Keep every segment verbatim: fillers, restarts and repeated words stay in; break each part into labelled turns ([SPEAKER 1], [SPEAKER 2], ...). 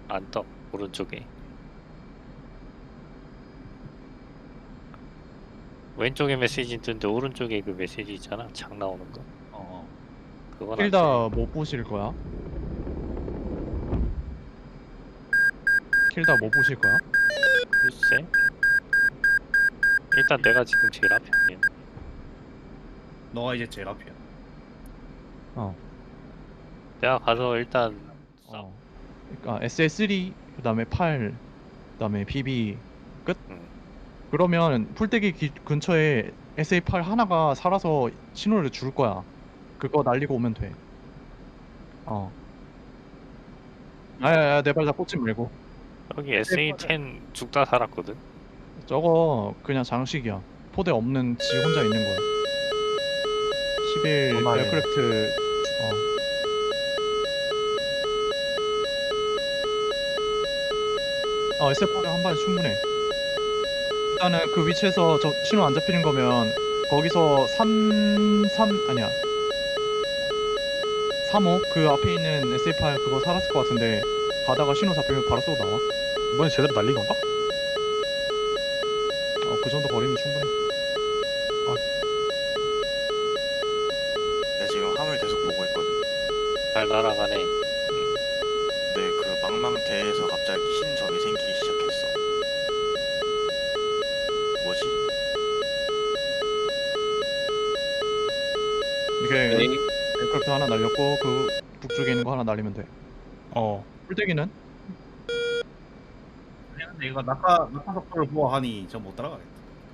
[SPEAKER 1] 안 떠. 오른쪽에. 왼쪽에 메시지 뜨는데 오른쪽에 그 메시지 있잖아. 창 나오는 거.
[SPEAKER 2] 어.
[SPEAKER 1] 그건 안
[SPEAKER 3] 킬다
[SPEAKER 1] 뜨네.
[SPEAKER 3] 뭐 보실 거야? 킬다 뭐 보실 거야?
[SPEAKER 1] 글쎄. 일단 내가 지금 제일 앞에 있는.
[SPEAKER 2] 너가 이제 제일 앞이야.
[SPEAKER 3] 어.
[SPEAKER 1] 내가 가서 일단
[SPEAKER 3] 어. 그러니까 에스에스쓰리 그다음에 팔 그다음에 비비 끝?
[SPEAKER 1] 응.
[SPEAKER 3] 그러면 풀떼기 기, 근처에 에스에이 팔 하나가 살아서 신호를 줄 거야. 그거 날리고 오면 돼. 어. 아야야 내 발 다 꽂지 말고.
[SPEAKER 1] 여기 에스에이 텐 죽다 살았거든.
[SPEAKER 3] 저거 그냥 장식이야. 포대 없는 지 혼자 있는 거야. 십일
[SPEAKER 4] 얼마예요?
[SPEAKER 3] 에어크래프트 어. 어 에스에프 한 발에 충분해. 일단은 그 위치에서 저 신호 안 잡히는 거면 거기서 삼, 삼 아니야 삼호 그 앞에 있는 에스에프 그거 살았을 것 같은데 가다가 신호 잡히면 바로 쏘고 나와.
[SPEAKER 4] 이번엔 제대로 날린 건가?
[SPEAKER 3] 어 그 정도 거리면 충분해.
[SPEAKER 5] 내가 지금 화물 계속 보고 있거든.
[SPEAKER 1] 잘 날아가네.
[SPEAKER 5] 근데 그 망망대에서 갑자기 흰 점이 생기기 시작했어. 뭐지?
[SPEAKER 3] 이게
[SPEAKER 4] 네.
[SPEAKER 3] 에어크래프트 하나 날렸고 그 북쪽에 있는 거 하나 날리면 돼.
[SPEAKER 4] 어.
[SPEAKER 3] 풀떼기는?
[SPEAKER 2] 근데 이거 낙하 낙하 속도를 보아하니 저 못 따라가겠다.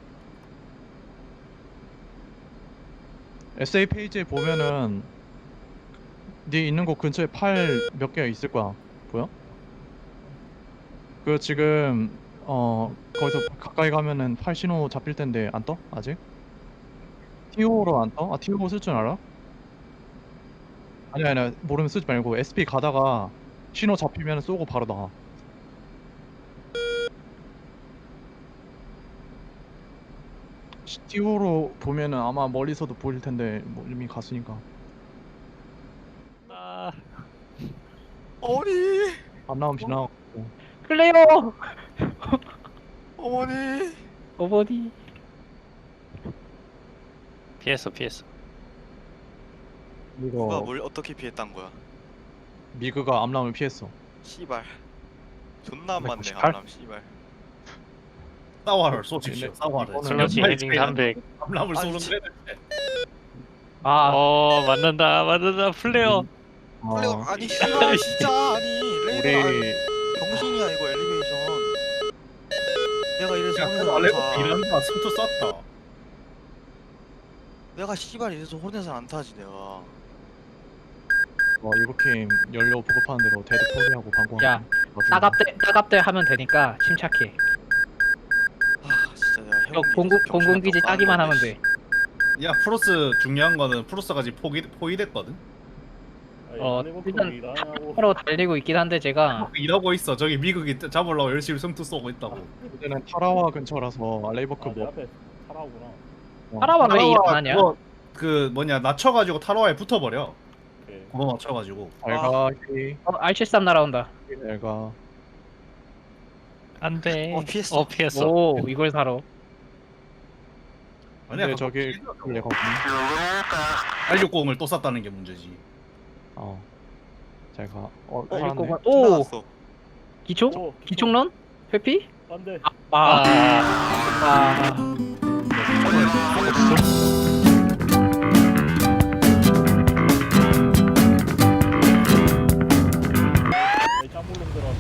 [SPEAKER 3] 에스에이 페이지에 보면은 네 있는 곳 근처에 팔 몇 개가 있을 거야. 보여? 그 지금 어 거기서 가까이 가면은 팔 신호 잡힐 텐데 안 떠? 아직? 티오로 안 떠? 아 티오 쓸 줄 알아? 아니야 아니야 모르면 쓰지 말고 에스피 가다가 신호 잡히면 쏘고 바로 나와. 티오로 보면은 아마 멀리서도 보일 텐데 뭐 이미 갔으니까.
[SPEAKER 1] 아,
[SPEAKER 5] 어머니!
[SPEAKER 3] 안 나오면 지나가고.
[SPEAKER 6] 클레어!
[SPEAKER 5] 어머니!
[SPEAKER 6] 어머니.
[SPEAKER 1] 피했어 피했어.
[SPEAKER 5] 누가
[SPEAKER 3] 이거
[SPEAKER 5] 뭘 어떻게 피했단 거야?
[SPEAKER 3] 미그가 암람을 피했어.
[SPEAKER 5] 씨발. 존나 안 맞네,
[SPEAKER 4] 백구십팔?
[SPEAKER 5] 암람 씨발.
[SPEAKER 2] 사와를 쏘십시오.
[SPEAKER 3] 근데
[SPEAKER 2] 사와를.
[SPEAKER 3] 이거는
[SPEAKER 1] 슬러시 헤딩 삼백.
[SPEAKER 2] 암람을
[SPEAKER 5] 아니,
[SPEAKER 2] 쏘는
[SPEAKER 5] 지-
[SPEAKER 2] 데
[SPEAKER 6] 아,
[SPEAKER 1] 어 맞는다 맞는다 플레어.
[SPEAKER 5] 플레어
[SPEAKER 3] 어,
[SPEAKER 5] 아니 씨발 진짜 아니 레이더 아니,
[SPEAKER 3] 우리
[SPEAKER 5] 병신이야 이거 엘리베이션. 내가 이래서
[SPEAKER 2] 야,
[SPEAKER 5] 혼내서
[SPEAKER 2] 그거
[SPEAKER 5] 안
[SPEAKER 2] 알레고
[SPEAKER 5] 타.
[SPEAKER 2] 이런다. 숨도 쐈다.
[SPEAKER 5] 내가 씨발 이래서 혼내서 안 타지 내가.
[SPEAKER 3] 어, 일곱 게임 연료 보급하는 대로 데드 포기하고 방공하고.
[SPEAKER 6] 야, 따갑대, 따갑대 하면 되니까 침착해.
[SPEAKER 5] 아 진짜 내가
[SPEAKER 6] 이거
[SPEAKER 5] 형
[SPEAKER 6] 공군,
[SPEAKER 5] 이래서 병신
[SPEAKER 6] 공군기지
[SPEAKER 5] 같다고
[SPEAKER 6] 따기만
[SPEAKER 5] 하는
[SPEAKER 6] 하면
[SPEAKER 5] 건데,
[SPEAKER 6] 돼.
[SPEAKER 2] 야 프로스 중요한 거는 프로스가 지금 포기 포위됐거든.
[SPEAKER 6] 어, 일단 바로 달리고 있긴 한데 제가
[SPEAKER 2] 일하고 있어. 저기 미국이 잡으려고 열심히 성투 쏘고 있다고.
[SPEAKER 3] 이제는 타라와 근처라서 알레이버크 뭐
[SPEAKER 4] 앞에 타라오구나.
[SPEAKER 6] 타라와 왜 일 안
[SPEAKER 2] 타라와
[SPEAKER 6] 하냐?
[SPEAKER 2] 그거 그 뭐냐 낮춰가지고 타로와에 붙어버려.
[SPEAKER 4] 오케이.
[SPEAKER 2] 그거 맞춰가지고.
[SPEAKER 3] 알가
[SPEAKER 6] 어, 알 칠십삼 날아온다.
[SPEAKER 3] 알가.
[SPEAKER 1] 안돼.
[SPEAKER 5] 어, 피했어.
[SPEAKER 1] 어 피했어.
[SPEAKER 6] 오, 이걸 사러.
[SPEAKER 2] 아니야
[SPEAKER 3] 근데
[SPEAKER 2] 그거
[SPEAKER 3] 저기
[SPEAKER 2] 피해서
[SPEAKER 3] 내가
[SPEAKER 2] 알육공을 또 쐈다는 게 문제지.
[SPEAKER 3] 어. 잘 가. 어,
[SPEAKER 5] 어,
[SPEAKER 3] 살았네.
[SPEAKER 6] 이거 오,
[SPEAKER 5] 나왔어.
[SPEAKER 6] 기총?
[SPEAKER 4] 오,
[SPEAKER 6] 기총런? 회피?
[SPEAKER 4] 안돼.
[SPEAKER 6] 아,
[SPEAKER 1] 아,
[SPEAKER 6] 아,
[SPEAKER 4] 짬볼놈 들어.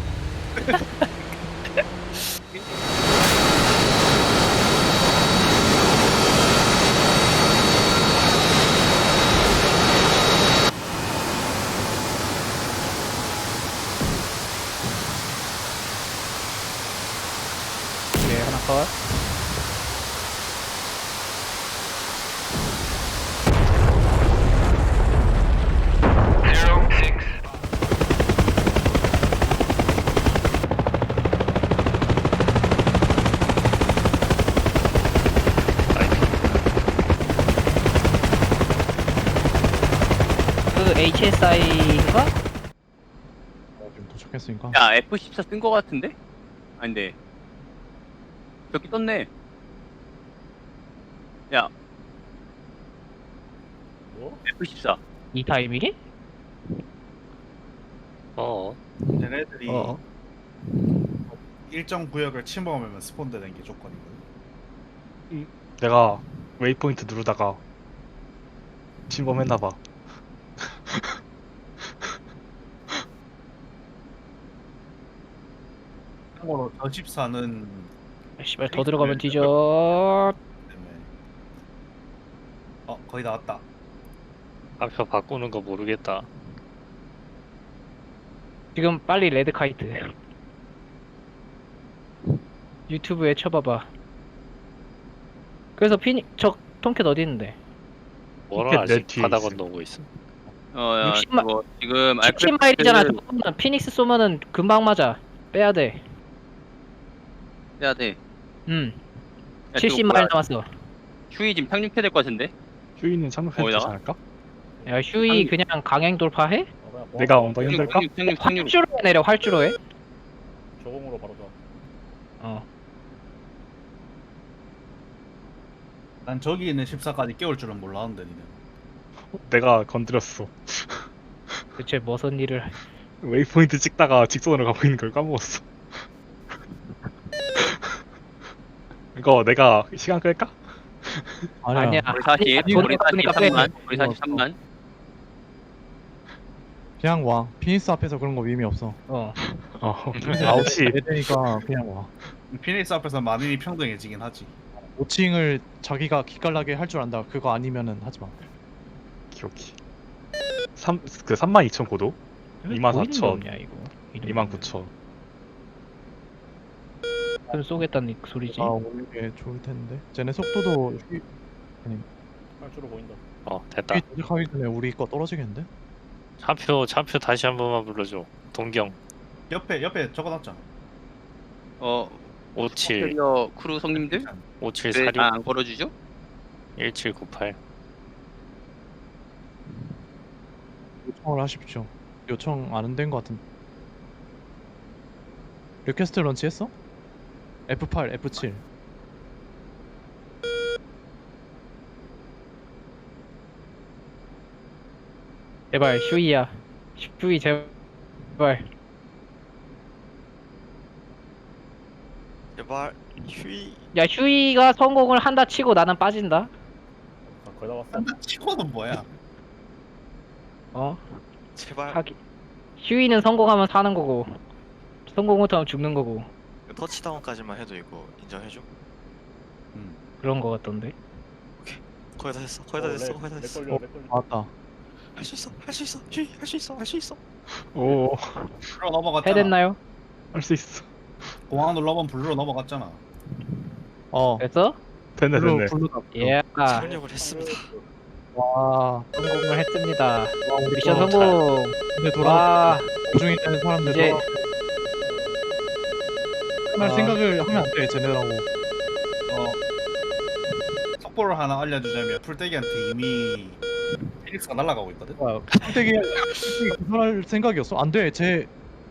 [SPEAKER 6] 네, 하나 컷. 그 에이치에스아이인가?
[SPEAKER 3] 지금 도착했으니까.
[SPEAKER 7] 야 에프 십사 쓴 거 같은데? 아닌데 저기 떴네. 야
[SPEAKER 4] 뭐?
[SPEAKER 7] 에프 십사
[SPEAKER 6] 이 타이밍에?
[SPEAKER 1] 어.
[SPEAKER 2] 쟤네들이
[SPEAKER 6] 어.
[SPEAKER 2] 일정 구역을 침범하면 스폰되는 게 조건이거든.
[SPEAKER 4] 내가 웨이포인트 누르다가 침범했나봐.
[SPEAKER 2] 참고로 저 십사는
[SPEAKER 6] 아, 씨발 더 들어가면 뒤져.
[SPEAKER 2] 때문에 어 거의 다 왔다.
[SPEAKER 1] 앞표 바꾸는 거 모르겠다.
[SPEAKER 6] 지금 빨리 레드 카이트. 유튜브에 쳐봐봐. 그래서 피니 저 통캣 어디 있는데?
[SPEAKER 1] 뭐를
[SPEAKER 4] 내
[SPEAKER 1] 아직
[SPEAKER 4] 뒤에
[SPEAKER 1] 바다
[SPEAKER 4] 있어.
[SPEAKER 1] 건너고 있어.
[SPEAKER 7] 어야
[SPEAKER 6] 육십 마-
[SPEAKER 7] 그거 지금
[SPEAKER 6] 십칠 마일이잖아. 저거는 피닉스 쏘면은 금방 맞아. 빼야 돼.
[SPEAKER 7] 해야 돼.
[SPEAKER 6] 음.
[SPEAKER 7] 야,
[SPEAKER 6] 칠십
[SPEAKER 7] 지금
[SPEAKER 6] 마일
[SPEAKER 7] 뭐야,
[SPEAKER 6] 남았어.
[SPEAKER 7] 휴이 지금 상륙해야 될 것 같은데?
[SPEAKER 4] 휴이는 착륙해도 되지
[SPEAKER 7] 거기다가?
[SPEAKER 4] 않을까?
[SPEAKER 6] 야 휴이
[SPEAKER 7] 상-
[SPEAKER 6] 그냥 강행 돌파해?
[SPEAKER 4] 내가
[SPEAKER 7] 어,
[SPEAKER 4] 엉덩이
[SPEAKER 7] 상륙
[SPEAKER 4] 흔들까?
[SPEAKER 7] 상륙 상륙 상륙.
[SPEAKER 6] 활주로 해 내려 활주로 해.
[SPEAKER 4] 저공으로 바로 가.
[SPEAKER 6] 어.
[SPEAKER 2] 난 저기 있는 십사까지 깨울 줄은 몰랐는데 니네.
[SPEAKER 4] 내가 건드렸어.
[SPEAKER 6] 대체 무슨 일을?
[SPEAKER 4] 웨이포인트 찍다가 직선으로 가고 있는 걸 까먹었어. 이거 내가 시간 끌까?
[SPEAKER 3] 아니야.
[SPEAKER 6] 아니야.
[SPEAKER 7] 우리 사십,
[SPEAKER 6] 아니,
[SPEAKER 7] 우리
[SPEAKER 6] 돈이 없으니까 빼.
[SPEAKER 7] 사십삼만, 우리 사십삼만.
[SPEAKER 3] 그냥 와. 피니스 앞에서 그런 거 의미 없어.
[SPEAKER 6] 어.
[SPEAKER 4] 어. 아홉 시.
[SPEAKER 3] 애되니까 그냥 와.
[SPEAKER 2] 피닉스 앞에서 만인이 평등해지긴 하지.
[SPEAKER 3] 오 층을 자기가 기깔나게 할 줄 안다. 그거 아니면은 하지 마.
[SPEAKER 4] 기억이. 삼, 그 삼만 이천 고도? 이만
[SPEAKER 6] 보이는 게
[SPEAKER 4] 사천.
[SPEAKER 6] 없냐, 이거. 이러면은.
[SPEAKER 4] 이만 구천.
[SPEAKER 6] 그럼 쏘겠다는 소리지.
[SPEAKER 3] 아 오는 게 좋을 텐데. 쟤네 속도도 휘-
[SPEAKER 4] 활주로 보인다.
[SPEAKER 1] 어 됐다.
[SPEAKER 3] 휘 도착하기 전에 우리 거 떨어지겠는데?
[SPEAKER 1] 차표 차표 다시 한 번만 불러줘. 동경
[SPEAKER 2] 옆에 옆에 적어놨잖아.
[SPEAKER 7] 어,
[SPEAKER 1] 오칠
[SPEAKER 7] 캐리어 크루 성님들
[SPEAKER 1] 오칠
[SPEAKER 7] 왜
[SPEAKER 1] 사육
[SPEAKER 7] 안 걸어주죠?
[SPEAKER 1] 일칠구팔.
[SPEAKER 3] 요청을 하십시오. 요청 안 된 거 같은. 리퀘스트 런치 했어? 에프 팔, 에프 칠.
[SPEAKER 6] 제발 휴이야. 휴이 제발.
[SPEAKER 5] 제발 휴이.
[SPEAKER 6] 야 휴이가 성공을 한다 치고 나는 빠진다.
[SPEAKER 4] 아, 거의 다 왔어.
[SPEAKER 2] 한다 치고는 뭐야?
[SPEAKER 6] 어?
[SPEAKER 5] 제발.
[SPEAKER 6] 하기. 휴이는 성공하면 사는 거고 성공 못하면 죽는 거고
[SPEAKER 5] 터치다운까지만 해도 이거 인정해줘.
[SPEAKER 6] 그런 거 같던데.
[SPEAKER 5] 거의 다 됐어. 거의 다 됐어. 거의 다 됐어.
[SPEAKER 3] 어, 나왔다.
[SPEAKER 5] 할 수 있어. 할 수 있어. 휴이 할 수 있어. 할 수 있어.
[SPEAKER 4] 오,
[SPEAKER 2] 블루로 넘어갔잖아.
[SPEAKER 6] 해됐나요?
[SPEAKER 4] 할 수 있어.
[SPEAKER 2] 공항 눌러본 블루로 넘어갔잖아.
[SPEAKER 3] 어.
[SPEAKER 6] 됐어?
[SPEAKER 4] 됐네,
[SPEAKER 3] 블루
[SPEAKER 4] 됐네.
[SPEAKER 3] 블루다.
[SPEAKER 6] 예.
[SPEAKER 5] 착륙을 했습니다.
[SPEAKER 3] 와.
[SPEAKER 6] 성공을 했습니다.
[SPEAKER 3] 와 우리
[SPEAKER 6] 미션
[SPEAKER 3] 거
[SPEAKER 6] 성공.
[SPEAKER 3] 근데 돌아.
[SPEAKER 6] 와.
[SPEAKER 3] 도중에 있는 사람들
[SPEAKER 6] 이제-
[SPEAKER 3] 돌아. 할
[SPEAKER 6] 아.
[SPEAKER 3] 생각을 하면 안 돼. 쟤네라고.
[SPEAKER 2] 어. 속보를 하나 알려주자면 풀떼기한테 이미 피닉스가 날아가고 있거든.
[SPEAKER 6] 와,
[SPEAKER 3] 되게 그럴 생각이었어. 안 돼. 쟤.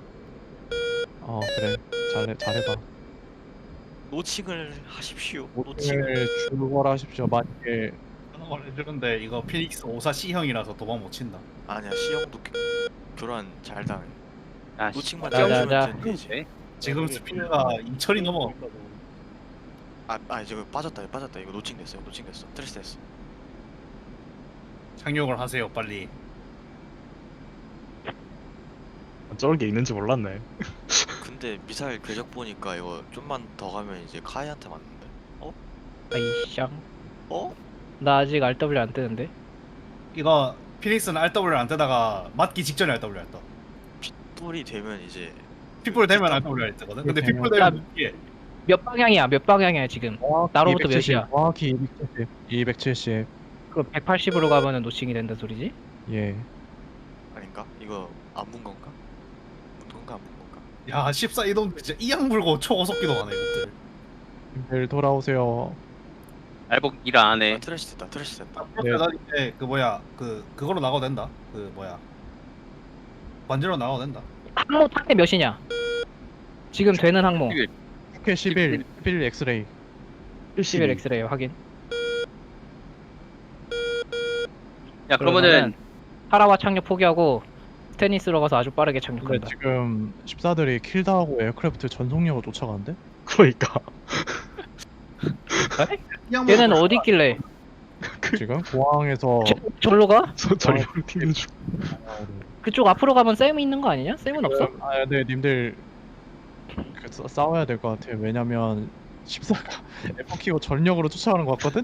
[SPEAKER 3] 어 그래. 잘해 잘해봐.
[SPEAKER 5] 노칭을 하십시오. 노칭.
[SPEAKER 3] 오늘 죽어라 하십시오. 만약에
[SPEAKER 2] 하는 걸 해주는데 이거 피닉스 오사 C형이라서 도망 못 친다.
[SPEAKER 5] 아니야 C형도 교- 교란 잘 당해.
[SPEAKER 7] 아, 씨.
[SPEAKER 5] 노칭만
[SPEAKER 6] 자, 자,
[SPEAKER 5] 떼어주면
[SPEAKER 6] 자.
[SPEAKER 5] 되지.
[SPEAKER 7] 네.
[SPEAKER 2] 지금 스피드가 이천이 넘어.
[SPEAKER 5] 아, 아 이제 빠졌다. 이거 빠졌다. 이거 노칭 됐어요. 노칭 됐어. 트레스 됐어.
[SPEAKER 2] 착륙을 하세요 빨리.
[SPEAKER 4] 저런 게 있는지 몰랐네.
[SPEAKER 5] 근데 미사일 궤적 보니까 이거 좀만 더 가면 이제 카이한테 맞는데.
[SPEAKER 6] 아이샹.
[SPEAKER 5] 어?
[SPEAKER 6] 나 아직 알더블유 안 뜨는데.
[SPEAKER 2] 이거 피닉스는 알더블유를 안 뜨다가 맞기 직전에 알더블유를 떠.
[SPEAKER 5] 뿔이 되면 이제
[SPEAKER 2] 핏불 되면 알더블유를 뜨거든. 근데
[SPEAKER 3] 그렇게
[SPEAKER 2] 핏불 되면 이게
[SPEAKER 6] 몇 방향이야? 몇 방향이야 지금? 나로부터
[SPEAKER 3] 이백칠십,
[SPEAKER 6] 몇이야?
[SPEAKER 3] 정확히 이백칠십. 이백칠십.
[SPEAKER 6] 그 백팔십으로 가면은 노칭이 된다 소리지?
[SPEAKER 3] 예.
[SPEAKER 5] 아닌가? 이거 안 문 건가? 문 건가 안 문 건가?
[SPEAKER 2] 야 십사 이동 진짜 이양 물고 초고속기도 하네 이것들.
[SPEAKER 3] 님들 돌아오세요.
[SPEAKER 7] 알복 일 안
[SPEAKER 5] 아,
[SPEAKER 7] 해.
[SPEAKER 5] 트래시 됐다. 트래시 됐다.
[SPEAKER 2] 그렇게 나 이제 그 뭐야 그 그거로 나가도 된다. 그 뭐야 관제로 나가도 된다.
[SPEAKER 6] 항모 탑대 몇이냐? 지금 되는 항모
[SPEAKER 7] 십일.
[SPEAKER 3] 국회 십일, 십일 엑스레이.
[SPEAKER 6] 십일 엑스레이 확인.
[SPEAKER 7] 야 그러면은
[SPEAKER 6] 파라와 착륙 포기하고 스테니스로 가서 아주 빠르게
[SPEAKER 3] 근데
[SPEAKER 6] 착륙한다.
[SPEAKER 3] 지금 십사들이 킬다하고 에어크래프트 전속력을 쫓아가는데?
[SPEAKER 4] 그러니까
[SPEAKER 6] 얘는 어디 있길래?
[SPEAKER 3] 지금 공항에서
[SPEAKER 6] 저- 절로 가?
[SPEAKER 4] 전령 튀는 중.
[SPEAKER 6] 그쪽 앞으로 가면 쌤이 있는 거 아니냐? 쌤은 없어?
[SPEAKER 3] 아, 네, 님들 그 싸- 싸워야 될 것 같아요. 왜냐면 십사가 에퍼 키고 전력으로 쫓아가는 것 같거든?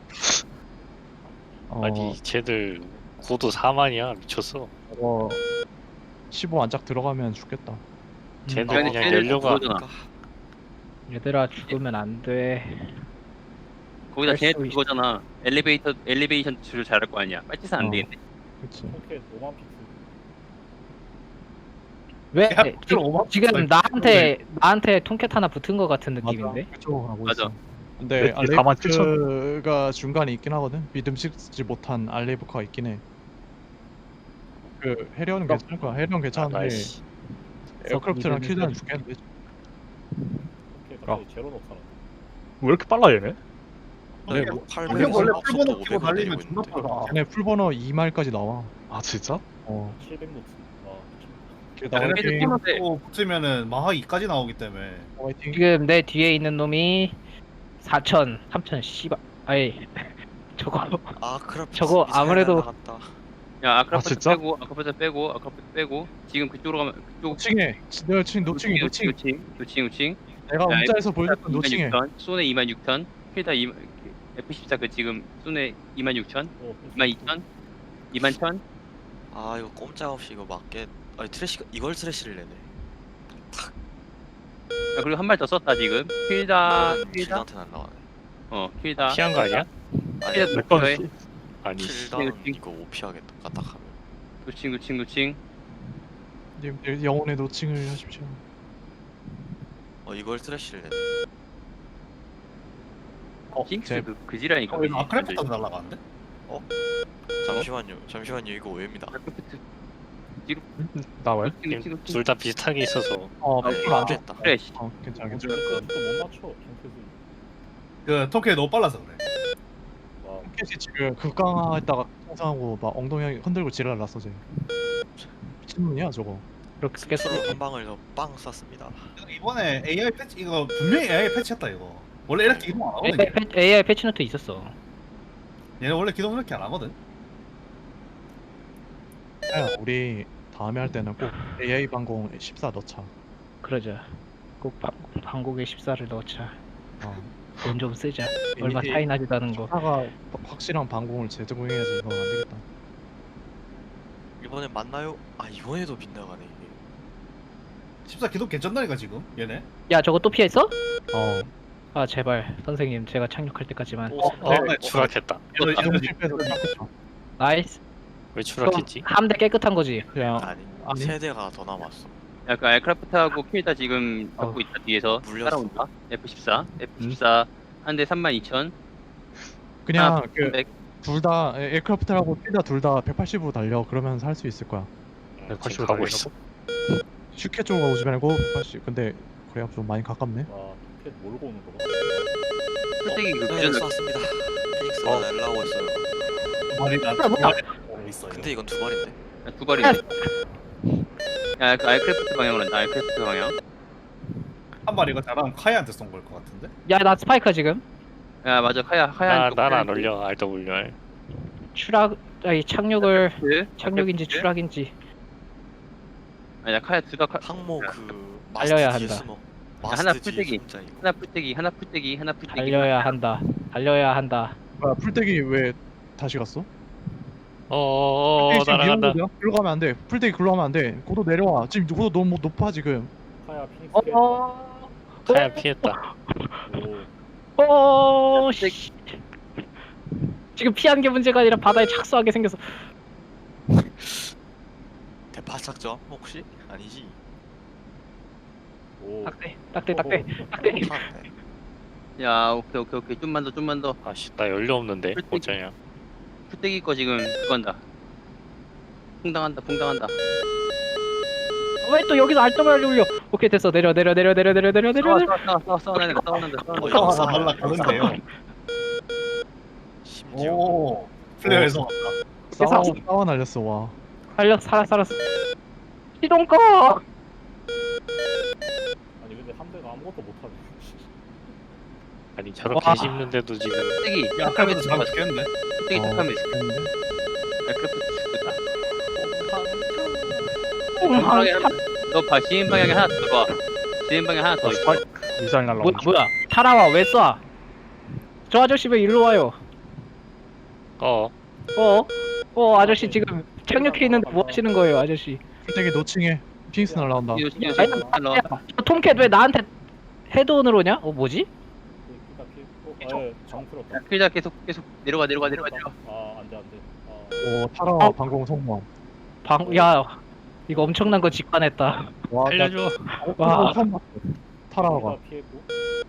[SPEAKER 3] 어,
[SPEAKER 1] 아니 쟤들 고도 사만이야 미쳤어.
[SPEAKER 3] 어, 십오 안짝 들어가면 죽겠다.
[SPEAKER 1] 쟤들
[SPEAKER 7] 아니,
[SPEAKER 1] 그냥
[SPEAKER 7] 쟤들
[SPEAKER 1] 연료가
[SPEAKER 7] 그거잖아.
[SPEAKER 6] 얘들아 죽으면 안 돼.
[SPEAKER 7] 거기다
[SPEAKER 6] 할
[SPEAKER 7] 쟤네
[SPEAKER 6] 수 있-
[SPEAKER 7] 그거잖아. 엘리베이터 엘리베이션 줄 잘할 거 아니야. 빨치산 안
[SPEAKER 3] 어.
[SPEAKER 7] 되겠네.
[SPEAKER 3] 그치.
[SPEAKER 6] 왜?
[SPEAKER 2] 야,
[SPEAKER 6] 지,
[SPEAKER 2] 그럼 오만
[SPEAKER 6] 지금
[SPEAKER 2] 원
[SPEAKER 6] 나한테 나한테 통캣 하나 붙은 거 같은 느낌인데?
[SPEAKER 3] 맞아. 그쪽으로 가고
[SPEAKER 7] 맞아.
[SPEAKER 3] 있어. 근데
[SPEAKER 4] 네, 사만 칠천.
[SPEAKER 3] 알레이브가 중간에 있긴 하거든. 믿음직지 못한 알레이브가 있긴 해. 그 해리언은 괜찮을 거야. 해리언
[SPEAKER 1] 아,
[SPEAKER 3] 괜찮은데
[SPEAKER 1] 나이스.
[SPEAKER 3] 에어크래프트랑
[SPEAKER 6] 믿음이
[SPEAKER 3] 킬드는
[SPEAKER 6] 세.
[SPEAKER 3] 죽겠는데.
[SPEAKER 4] 왜 이렇게 빨라 얘네?
[SPEAKER 3] 네,
[SPEAKER 2] 뭐,
[SPEAKER 3] 뭐,
[SPEAKER 2] 형 원래 풀번호 끼고 달리면 존나 빨라.
[SPEAKER 3] 걔네 풀버너 이 마일까지 나와.
[SPEAKER 4] 아 진짜?
[SPEAKER 3] 어. 길
[SPEAKER 2] 얘네
[SPEAKER 3] 나오는 게
[SPEAKER 7] 풀번호
[SPEAKER 2] 또 붙으면은 마하 이까지 나오기 때문에
[SPEAKER 3] 화이팅.
[SPEAKER 6] 지금 내 뒤에 있는 놈이 사천, 삼천, 씨발. 아이 저거
[SPEAKER 5] 아 크라프
[SPEAKER 6] 저거 아무래도-
[SPEAKER 7] 야 아크라프트
[SPEAKER 4] 진짜?
[SPEAKER 7] 빼고 아크라프트 빼고 아크라프트 빼고 지금 그쪽으로 가면 그쪽
[SPEAKER 3] 노칭해. 내가 지금 노칭해. 노칭.
[SPEAKER 7] 노칭 노칭 노칭.
[SPEAKER 3] 내가
[SPEAKER 7] 야,
[SPEAKER 3] 문자에서 보여줬던 노칭해.
[SPEAKER 7] 쏜에 이만 육천. 필다 에프 십사 그 지금 쏜에 이만 육천. 이만 이천. 이만 천.
[SPEAKER 5] 아 이거 꼼짝없이 이거 맞게 아니 트래시 이걸 트래시를 내네.
[SPEAKER 7] 야, 그리고 한 발 더 썼다 지금. 필다 필다.
[SPEAKER 5] 킬드한테 날라가네.
[SPEAKER 7] 어 필다.
[SPEAKER 1] 피한 거 아니야?
[SPEAKER 5] 아니
[SPEAKER 7] 필다
[SPEAKER 4] 내 거는
[SPEAKER 7] 노쳐해.
[SPEAKER 4] 쏘-
[SPEAKER 1] 아니
[SPEAKER 5] 킬드는
[SPEAKER 7] 킬-
[SPEAKER 5] 이거 오피하겠다. 까딱하면.
[SPEAKER 7] 노칭 노칭 노칭.
[SPEAKER 3] 님들 영혼의 노칭을 하십시오.
[SPEAKER 5] 어 이걸 트래시를 내네.
[SPEAKER 3] 어,
[SPEAKER 7] 징크스
[SPEAKER 3] 제
[SPEAKER 7] 그, 그 지랄이니까.
[SPEAKER 2] 어, 이거 아크래프트도 날라가는데?
[SPEAKER 5] 잠시만요. 잠시만요. 이거 오해입니다.
[SPEAKER 7] 아크래프트.
[SPEAKER 4] 나와요?
[SPEAKER 7] 노칭 노칭 노칭.
[SPEAKER 1] 둘 다 비슷하게 있어서
[SPEAKER 3] 어,
[SPEAKER 5] 네,
[SPEAKER 3] 풀안 돼.
[SPEAKER 5] 됐다.
[SPEAKER 7] 그래 씨.
[SPEAKER 3] 어, 괜찮아, 괜찮아.
[SPEAKER 2] 그 통쾌 너무 빨라서 그래.
[SPEAKER 3] 켓이 지금 극강화했다가 통상하고 막 엉덩이 흔들고 지랄났어 쟤. 미친놈이야 저거.
[SPEAKER 6] 그렇게
[SPEAKER 5] 스로
[SPEAKER 6] 깼어.
[SPEAKER 5] 한 방을 더 빵 쐈습니다.
[SPEAKER 2] 이번에 에이아이 패치 이거 분명히 에이아이 패치했다 이거. 원래 이렇게 기동 안 하거든.
[SPEAKER 6] 에이아이, 패- 에이아이 패치노트 있었어.
[SPEAKER 2] 얘네 원래 기동 이렇게 안 하거든.
[SPEAKER 3] 야, 우리 다음에 할 때는 꼭 에이아이 방공 십사 넣자.
[SPEAKER 6] 그러자. 꼭 방, 방곡에 십사를 넣자.
[SPEAKER 3] 어.
[SPEAKER 6] 돈 좀 쓰자. 얼마
[SPEAKER 3] 이-
[SPEAKER 6] 차이 나지도 않은 거.
[SPEAKER 3] 십사가 확실한 방공을 제공해야지 이건 안 되겠다.
[SPEAKER 5] 이번엔 맞나요? 아 이번에도 빗나가네 이게.
[SPEAKER 2] 십사 기동 괜찮다니까 지금 얘네.
[SPEAKER 6] 야 저거 또 피했어?
[SPEAKER 3] 어.
[SPEAKER 6] 아 제발 선생님 제가 착륙할 때까지만.
[SPEAKER 5] 또
[SPEAKER 1] 어
[SPEAKER 2] 네.
[SPEAKER 1] 추락했다.
[SPEAKER 2] 얘네
[SPEAKER 3] 이동
[SPEAKER 2] 얘네
[SPEAKER 3] 실패해서 깜짝이야.
[SPEAKER 6] 나이스.
[SPEAKER 1] 왜 추락했지?
[SPEAKER 6] 함대 깨끗한 거지.
[SPEAKER 3] 그냥
[SPEAKER 5] 아니,
[SPEAKER 3] 아니.
[SPEAKER 5] 세대가 더 남았어.
[SPEAKER 7] 약간 에크라프트하고 킬다 지금
[SPEAKER 3] 어.
[SPEAKER 7] 잡고 있다 뒤에서
[SPEAKER 5] 물렸어.
[SPEAKER 7] 따라온다. 에프 십사. 에프 십사 한 대 삼만 이천.
[SPEAKER 3] 그냥 그
[SPEAKER 7] 삼백.
[SPEAKER 3] 둘 다 에어크래프트하고 필다 둘 다 백팔십으로 달려. 그러면 살 수 있을 거야.
[SPEAKER 1] 응,
[SPEAKER 4] 백팔십으로
[SPEAKER 1] 지금 가고
[SPEAKER 4] 달리라고?
[SPEAKER 1] 있어.
[SPEAKER 3] 슈케 쪽으로 오지 말고 백팔십. 근데 그래야 좀 많이 가깝네.
[SPEAKER 7] 풀떼기 그
[SPEAKER 5] 네,
[SPEAKER 7] 기존
[SPEAKER 5] 쐈습니다. 피닉스가
[SPEAKER 1] 어.
[SPEAKER 5] 날라오고 있어요.
[SPEAKER 2] 말이 나.
[SPEAKER 6] 뭐야, 뭐야.
[SPEAKER 2] 있어.
[SPEAKER 5] 근데 이건 두 발인데.
[SPEAKER 7] 두 발이. 야, 그 아이크래프트 방향으로 한다. 아이크래프트 방향.
[SPEAKER 2] 한 발 이거 잘하면 카이한테 쏜 걸 것 같은데.
[SPEAKER 6] 야 나 스파이커 지금.
[SPEAKER 7] 야, 맞아. 하야 하얀.
[SPEAKER 1] 나난안 올려 알더블유알.
[SPEAKER 6] 추락 아니 착륙을
[SPEAKER 7] 그
[SPEAKER 6] 착륙인지 추락인지.
[SPEAKER 7] 아니야, 카야 둘다 카...
[SPEAKER 5] 항모 그
[SPEAKER 6] 달려야
[SPEAKER 5] 마스트 뒤에
[SPEAKER 6] 한다.
[SPEAKER 5] 숨어.
[SPEAKER 7] 하나
[SPEAKER 5] 마스트 뒤에
[SPEAKER 7] 풀떼기.
[SPEAKER 5] 숨자 이거.
[SPEAKER 7] 하나 풀떼기, 하나 풀떼기, 하나 풀떼기.
[SPEAKER 6] 달려야 한다. 달려야 한다.
[SPEAKER 3] 뭐야 풀떼기 왜 다시 갔어?
[SPEAKER 1] 어어어
[SPEAKER 3] 풀떼기 지금
[SPEAKER 1] 날아간다.
[SPEAKER 3] 미는 거야? 글로 가면 안 돼. 풀떼기 글로 가면 안 돼. 고도 내려와. 지금 고도 너무 높아 지금.
[SPEAKER 6] 어.
[SPEAKER 1] 카야 피했다.
[SPEAKER 6] 어. 씨. 지금 피한 게 문제가 아니라 바다에 착수하게 생겼어.
[SPEAKER 5] 대파 착점 혹시? 아니지.
[SPEAKER 6] 딱대, 딱대, 딱대, 딱대.
[SPEAKER 5] 타네.
[SPEAKER 7] 야, 오케이, 오케이, 오케이. 좀만 더, 좀만 더.
[SPEAKER 1] 아씨 나 연료 없는데
[SPEAKER 7] 풀떼기.
[SPEAKER 1] 어쩌냐.
[SPEAKER 7] 풀떼기 거 지금 그거 한다. 풍당한다, 풍당한다.
[SPEAKER 6] 왜 또 여기서 알더블 올려? 오케이 됐어. 내려 내려 내려 내려 내려 내려 내려. 내려.
[SPEAKER 7] 싸워 싸워 싸워 싸워 싸우는데 싸우는데
[SPEAKER 2] 어, 하나 날라가는데요.
[SPEAKER 5] 심지어
[SPEAKER 2] 오 플레이어에서
[SPEAKER 3] 싸워 싸워 날렸어 와.
[SPEAKER 6] 살려 살아 살았어. 시동 꺼.
[SPEAKER 8] 아니 근데 함대가 아무것도 못하네.
[SPEAKER 1] 아니 저렇게
[SPEAKER 6] 와.
[SPEAKER 1] 씹는데도 지금
[SPEAKER 7] 떼기
[SPEAKER 2] 야
[SPEAKER 7] 탁하면
[SPEAKER 2] 칼부터 잡아 죽겠네.
[SPEAKER 7] 떼기
[SPEAKER 3] 어,
[SPEAKER 7] 탁하면
[SPEAKER 3] 근데
[SPEAKER 7] 에크래프트 죽겠다.
[SPEAKER 6] 아,
[SPEAKER 7] 너봐 지인 방향에 하나 더 들어와. 지인 방향 하나 더 있어.
[SPEAKER 4] 미사일
[SPEAKER 6] 뭐야
[SPEAKER 4] 날라오는 중.
[SPEAKER 6] 뭐야? 타라와 왜 쏴? 저 아저씨 왜 일로 와요?
[SPEAKER 1] 어
[SPEAKER 6] 어? 어 아저씨 지금 착륙해 있는데 뭐 하시는 거예요 아저씨?
[SPEAKER 3] 되게 노칭해. 피닉스 날라온다.
[SPEAKER 7] 이거 신경
[SPEAKER 6] 아니,
[SPEAKER 7] 쓰지 말라.
[SPEAKER 6] 야, 저 톰캣 왜 나한테 헤드온으로 오냐? 어 뭐지?
[SPEAKER 8] 일단 피. 어, 예, 정 풀었다.
[SPEAKER 7] 필자 계속 계속 내려가 내려가 내려가 내려가.
[SPEAKER 8] 아 안돼 안돼. 아,
[SPEAKER 3] 오 타라 방공 성공.
[SPEAKER 6] 방, 야 이거 엄청난 거 직관했다.
[SPEAKER 3] 와 나-
[SPEAKER 1] 알려줘.
[SPEAKER 3] 와 처음 봤어. 타라가.
[SPEAKER 8] 피가 피했고.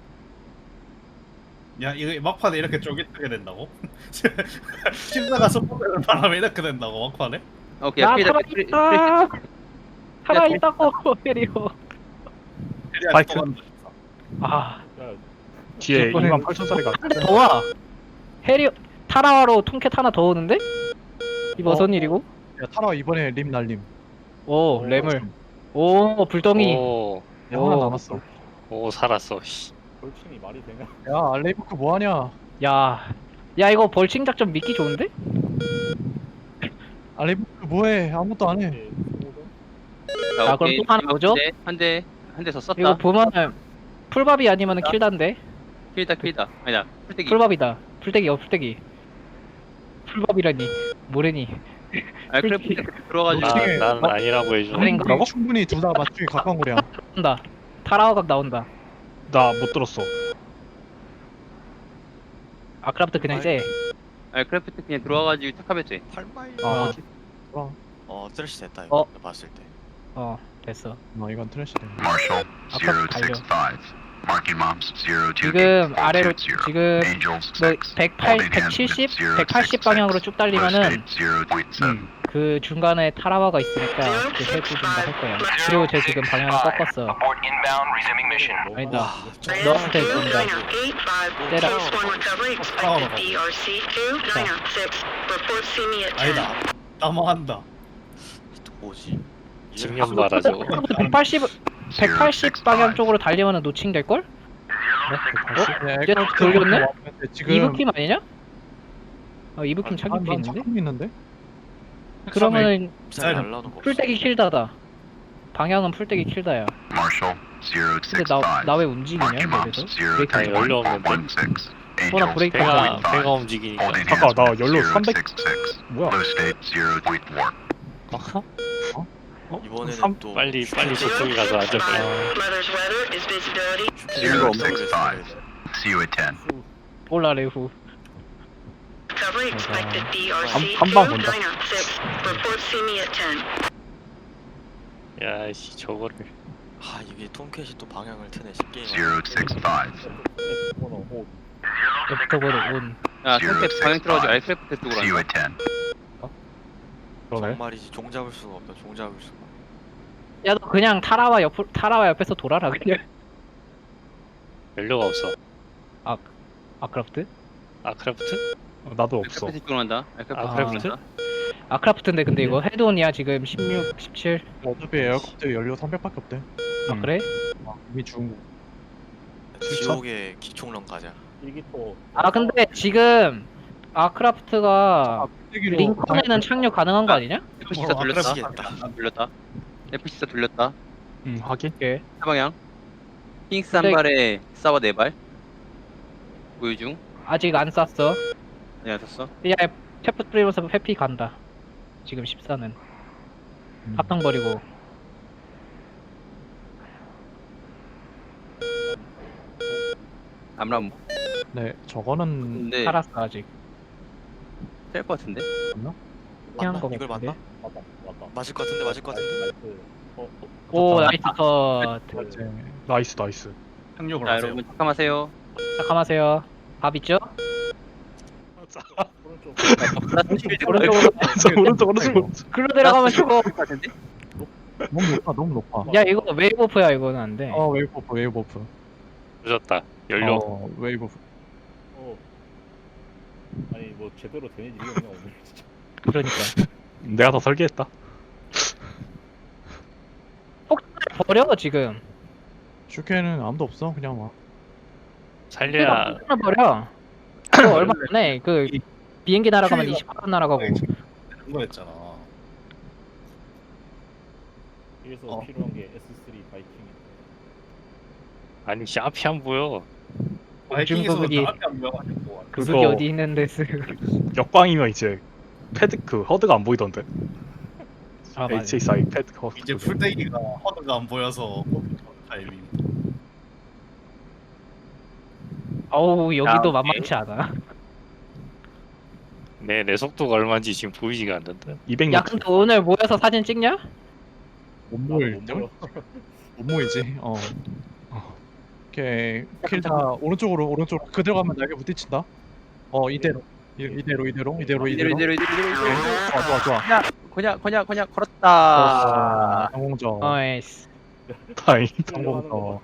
[SPEAKER 2] 야 이거 막판에 이렇게 쫄깃하게 된다고? 심사가 속보되는 바람에 이렇게 된다고 막판에?
[SPEAKER 7] 오케이
[SPEAKER 6] 나
[SPEAKER 7] 필자
[SPEAKER 6] 살아있다. 살아있다고 해리오.
[SPEAKER 4] 파이트.
[SPEAKER 6] 아,
[SPEAKER 8] 야
[SPEAKER 4] 뒤에
[SPEAKER 6] 이번엔-
[SPEAKER 4] 이만 팔천짜리가
[SPEAKER 6] 한 대 더 와. 해리오 타라와로 톰캣 하나 더 오는데? 이거 무슨 일이고?
[SPEAKER 3] 야 타라 이번에 림 날림.
[SPEAKER 6] 오 램을. 오 불덩이.
[SPEAKER 1] 오,
[SPEAKER 3] 야 하나
[SPEAKER 6] 오.
[SPEAKER 3] 남았어.
[SPEAKER 1] 오 살았어. 씨.
[SPEAKER 8] 돌칭이 말이 되냐?
[SPEAKER 3] 야 알레이브크 뭐하냐?
[SPEAKER 6] 야, 야 이거 벌칭 작전 믿기 좋은데?
[SPEAKER 3] 알레이브크 뭐해? 아무것도 안 해.
[SPEAKER 8] 예, 소모전?
[SPEAKER 6] 자, 그럼 또 하나 오죠?
[SPEAKER 7] 한대 한 대 더 썼다.
[SPEAKER 6] 이거 보면은 풀밥이 아니면은 킬단데?
[SPEAKER 7] 킬다 킬다. 아니다 풀떼기.
[SPEAKER 6] 풀밥이다. 풀떼기 어 풀떼기. 풀밥이라니 뭐래니?
[SPEAKER 7] 아 크래프트 들어가지고.
[SPEAKER 3] 노칭해.
[SPEAKER 1] 난, 난 아니라고 해줘.
[SPEAKER 6] 아닌가?
[SPEAKER 3] 뭐라고? 충분히 둘 다 맞추기 가까운 거야.
[SPEAKER 6] 나온다. 타라와각 나온다.
[SPEAKER 4] 나 못 들었어.
[SPEAKER 6] 아크라프트 그냥 쎄.
[SPEAKER 7] 아 크래프트 그냥 들어와가지고 탁하면 돼.
[SPEAKER 5] 팔 마일.
[SPEAKER 6] 어,
[SPEAKER 5] 어 트래시 됐다 이거.
[SPEAKER 6] 어.
[SPEAKER 5] 내가 봤을 때.
[SPEAKER 6] 어 됐어.
[SPEAKER 3] 아 이건 트래시네.
[SPEAKER 9] Marshall
[SPEAKER 6] 아까 달려.
[SPEAKER 9] zero six five. Marking moms zero two
[SPEAKER 6] 지금 아래로
[SPEAKER 9] zero.
[SPEAKER 6] 지금
[SPEAKER 9] Angels
[SPEAKER 6] 뭐
[SPEAKER 9] six.
[SPEAKER 6] 백팔,
[SPEAKER 9] Holding hands with
[SPEAKER 6] 백칠십,
[SPEAKER 9] zero
[SPEAKER 6] 백팔십
[SPEAKER 9] six
[SPEAKER 6] 방향으로
[SPEAKER 9] six.
[SPEAKER 6] 쭉 달리면은
[SPEAKER 9] First aid zero point seven.
[SPEAKER 6] 그 중간에 타라와가 있으니까 그 해주든가 할 거야. 그리고 쟤 지금 방향을 꺾었어.
[SPEAKER 9] Abort inbound, resuming mission.
[SPEAKER 6] 아니다.
[SPEAKER 5] 와, 저
[SPEAKER 6] 너한테 준다. 때려.
[SPEAKER 2] 아니다. 따망한다.
[SPEAKER 5] 또 뭐지?
[SPEAKER 1] 증명 봐라 저거.
[SPEAKER 6] 백팔십, 백팔십 방향 쪽으로 달리면은 노칭 될 걸?
[SPEAKER 3] 야,
[SPEAKER 6] 이제
[SPEAKER 3] 에코스
[SPEAKER 6] 돌렸네?
[SPEAKER 3] 왔는데 지금
[SPEAKER 6] 이브킴 아니냐? 어 이브킴
[SPEAKER 3] 한-
[SPEAKER 6] 착륙해
[SPEAKER 3] 난
[SPEAKER 6] 있는데?
[SPEAKER 3] 착륙 있는데?
[SPEAKER 6] 그러면은
[SPEAKER 5] 미사일 날라오는 거 없어.
[SPEAKER 6] 풀떼기 킬다다. 방향은 풀떼기 킬다야.
[SPEAKER 9] Marshall zero
[SPEAKER 6] 근데
[SPEAKER 9] six
[SPEAKER 6] 나
[SPEAKER 9] five.
[SPEAKER 6] 나 왜 움직이냐
[SPEAKER 9] Marking moms
[SPEAKER 6] 여기서?
[SPEAKER 9] zero
[SPEAKER 6] 브레이크
[SPEAKER 9] three
[SPEAKER 1] 아니, 연료 없는데?
[SPEAKER 9] one six.
[SPEAKER 6] 뭐나
[SPEAKER 9] Angels
[SPEAKER 6] 브레이크
[SPEAKER 1] 배가
[SPEAKER 6] 안
[SPEAKER 9] five.
[SPEAKER 1] 배가 움직이니까.
[SPEAKER 9] Holding
[SPEAKER 4] 잠깐,
[SPEAKER 9] hands
[SPEAKER 4] 나
[SPEAKER 9] with
[SPEAKER 4] 연료
[SPEAKER 9] zero
[SPEAKER 4] 삼백
[SPEAKER 9] six six.
[SPEAKER 3] 뭐야?
[SPEAKER 9] Low state zero point four.
[SPEAKER 5] 이번에는
[SPEAKER 1] 삼-
[SPEAKER 5] 또
[SPEAKER 1] 빨리 빨리 저쪽에 가서 앉아봐요.
[SPEAKER 9] zero six five. See you at ten.
[SPEAKER 6] 올라 레후.
[SPEAKER 4] 한방 본다.
[SPEAKER 1] 야씨 저거를.
[SPEAKER 5] 아 이게 톰캣이 또 방향을 트네 게임.
[SPEAKER 9] zero six five.
[SPEAKER 8] 번호 오.
[SPEAKER 6] 부터보다 온.
[SPEAKER 7] 야 크래프트 방향 들어가지고 알크래프트 쪽으로
[SPEAKER 9] See you
[SPEAKER 7] 한다.
[SPEAKER 9] at ten.
[SPEAKER 4] 그러네.
[SPEAKER 5] 정말이지 종 잡을 수가 없다. 종 잡을 수가.
[SPEAKER 6] 야 너 그냥 타라와 옆 타라와 옆에서 돌아라 그냥.
[SPEAKER 1] 연료가 없어.
[SPEAKER 6] 아크라프트?
[SPEAKER 1] 아크래프트?
[SPEAKER 4] 어, 나도 없어.
[SPEAKER 7] 알크래프트 쪽으로 한다. 알크래프트
[SPEAKER 1] 아,
[SPEAKER 7] 쪽으로
[SPEAKER 1] 크래프트?
[SPEAKER 7] 한다.
[SPEAKER 6] 아크라프트인데 근데 이거 헤드온이야 지금 십육, 십칠.
[SPEAKER 3] 어차피 에어컨 연료 삼백밖에 없대.
[SPEAKER 6] 아
[SPEAKER 4] 음.
[SPEAKER 6] 그래?
[SPEAKER 3] 이미 죽은 거.
[SPEAKER 5] 지옥의 기총론 가자.
[SPEAKER 8] 일기토.
[SPEAKER 6] 아 근데 지금 아크라프트가
[SPEAKER 3] 쓰기로
[SPEAKER 6] 링컨에는 착륙 가능한 거 아니냐?
[SPEAKER 7] 에프씨사
[SPEAKER 2] 어,
[SPEAKER 7] 돌렸다.
[SPEAKER 5] 아크래프트겠다.
[SPEAKER 7] 돌렸다. 에프씨사 돌렸다.
[SPEAKER 4] 응 확인.
[SPEAKER 6] 오케이.
[SPEAKER 7] 사방향. 핑스 한
[SPEAKER 6] 근데-
[SPEAKER 7] 발에 사바 네 발. 보유 중.
[SPEAKER 6] 아직 안 쐈어.
[SPEAKER 7] 아니 안 샀어.
[SPEAKER 6] 야 체프 프리면서 회피 간다. 지금 십사는
[SPEAKER 3] 음.
[SPEAKER 6] 합탕 버리고.
[SPEAKER 7] 암람
[SPEAKER 3] 네 저거는
[SPEAKER 7] 근데
[SPEAKER 6] 살았어 아직.
[SPEAKER 7] 셀것 같은데.
[SPEAKER 6] 피한
[SPEAKER 5] 맞나?
[SPEAKER 6] 거
[SPEAKER 5] 이걸
[SPEAKER 6] 같은데?
[SPEAKER 5] 맞나?
[SPEAKER 8] 맞다 맞다.
[SPEAKER 5] 맞을 것 같은데 맞을 것 같은데.
[SPEAKER 8] 나이스. 어, 어,
[SPEAKER 6] 오
[SPEAKER 3] 좋다.
[SPEAKER 6] 나이스 컷.
[SPEAKER 3] 이제
[SPEAKER 4] 나이스 나이스.
[SPEAKER 2] 착륙을
[SPEAKER 7] 자
[SPEAKER 2] 하세요.
[SPEAKER 7] 여러분 잠깐하세요.
[SPEAKER 6] 잠깐하세요. 밥 있죠?
[SPEAKER 8] 오른쪽.
[SPEAKER 6] 오른쪽으로.
[SPEAKER 4] 저 오른쪽 오른쪽 오른쪽.
[SPEAKER 6] 글로 내려가면 죽어.
[SPEAKER 7] 같은데.
[SPEAKER 3] 너무 높아 너무 높아.
[SPEAKER 6] 야 이거 웨이브오프야 이거는 안 돼.
[SPEAKER 3] 어 웨이브 오프 웨이브 오프.
[SPEAKER 1] 늦었다. 연료.
[SPEAKER 3] 어 웨이브 오프.
[SPEAKER 8] 어. 아니 뭐 제대로 되는 일이 없냐 오늘 진짜.
[SPEAKER 6] 그러니까.
[SPEAKER 4] 내가 더 설계했다.
[SPEAKER 6] 버려 지금.
[SPEAKER 3] 슈케는 아무도 없어 그냥 와.
[SPEAKER 1] 살려야.
[SPEAKER 6] 하나 버려. 그거 얼마 전에 그 비행기 날아가면
[SPEAKER 2] 큐이가-
[SPEAKER 6] 이십팔 분 날아가고.
[SPEAKER 2] 그런 거 했잖아.
[SPEAKER 8] 그래서
[SPEAKER 2] 어.
[SPEAKER 8] 필요한 게 에스 쓰리 바이킹.
[SPEAKER 1] 아니 씨 앞이 안 보여.
[SPEAKER 2] 바이킹에서도
[SPEAKER 6] 그게-
[SPEAKER 2] 나한테 안 보여가지고.
[SPEAKER 6] 그게
[SPEAKER 4] 그거-
[SPEAKER 6] 어디 있는데 쓰.
[SPEAKER 4] 역광이면 이제 패드 그 허드가 안 보이던데.
[SPEAKER 6] 아 맞아.
[SPEAKER 4] 에이치에스아이 패드 허드.
[SPEAKER 2] 이제 풀떼기가 허드가 안 보여서 타이밍.
[SPEAKER 6] 어우 여기도
[SPEAKER 7] 야,
[SPEAKER 6] 만만치 않아.
[SPEAKER 1] 내 내 속도가 얼마인지 지금 보이지가 않는데.
[SPEAKER 4] 이백
[SPEAKER 6] 야
[SPEAKER 4] 노트.
[SPEAKER 6] 근데 오늘 모여서 사진 찍냐?
[SPEAKER 3] 못
[SPEAKER 8] 못
[SPEAKER 3] 모일
[SPEAKER 8] 모여.
[SPEAKER 3] 못 모이지. 어. 오케이 킬다 오른쪽으로 오른쪽으로 그대로 가면 날개 부딪힌다. 어 이대로 이- 이대로 이대로 이대로 이대로.
[SPEAKER 7] 이대로 이대로 이대로 이대로.
[SPEAKER 3] 좋아 좋아 좋아.
[SPEAKER 7] 그냥 그냥 그냥 걸었다.
[SPEAKER 3] 성공적.
[SPEAKER 6] 어이스.
[SPEAKER 4] 다행.
[SPEAKER 3] 성공적.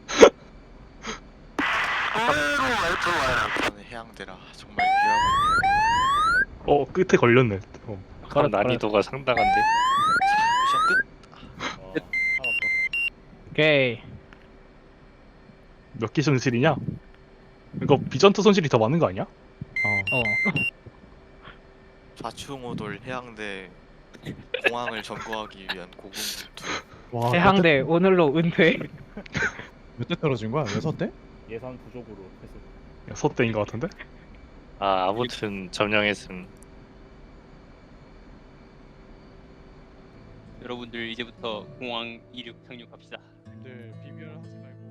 [SPEAKER 5] 저는 해양대라 정말 귀하군요.
[SPEAKER 4] 어 끝에 걸렸네. 어.
[SPEAKER 1] 그럼 난이도가 상당한데.
[SPEAKER 5] 미션 끝.
[SPEAKER 8] 어, 살았다.
[SPEAKER 6] 오케이.
[SPEAKER 4] 몇 기 손실이냐? 이거 비전투 손실이 더 많은 거 아니야?
[SPEAKER 3] 어.
[SPEAKER 6] 어.
[SPEAKER 5] 좌충우돌 해양대 공항을 점거하기 위한 고군분투.
[SPEAKER 3] 와.
[SPEAKER 6] 해항대 오늘로 은퇴.
[SPEAKER 3] 몇대 떨어진 거야? 여섯 대?
[SPEAKER 8] 예산 부족으로 패스.
[SPEAKER 4] 소대인 것 같은데?
[SPEAKER 1] 아 아무튼 점령했음.
[SPEAKER 7] 여러분들 이제부터 공항 이륙 착륙합시다.
[SPEAKER 3] 님들 비밀하지 말고.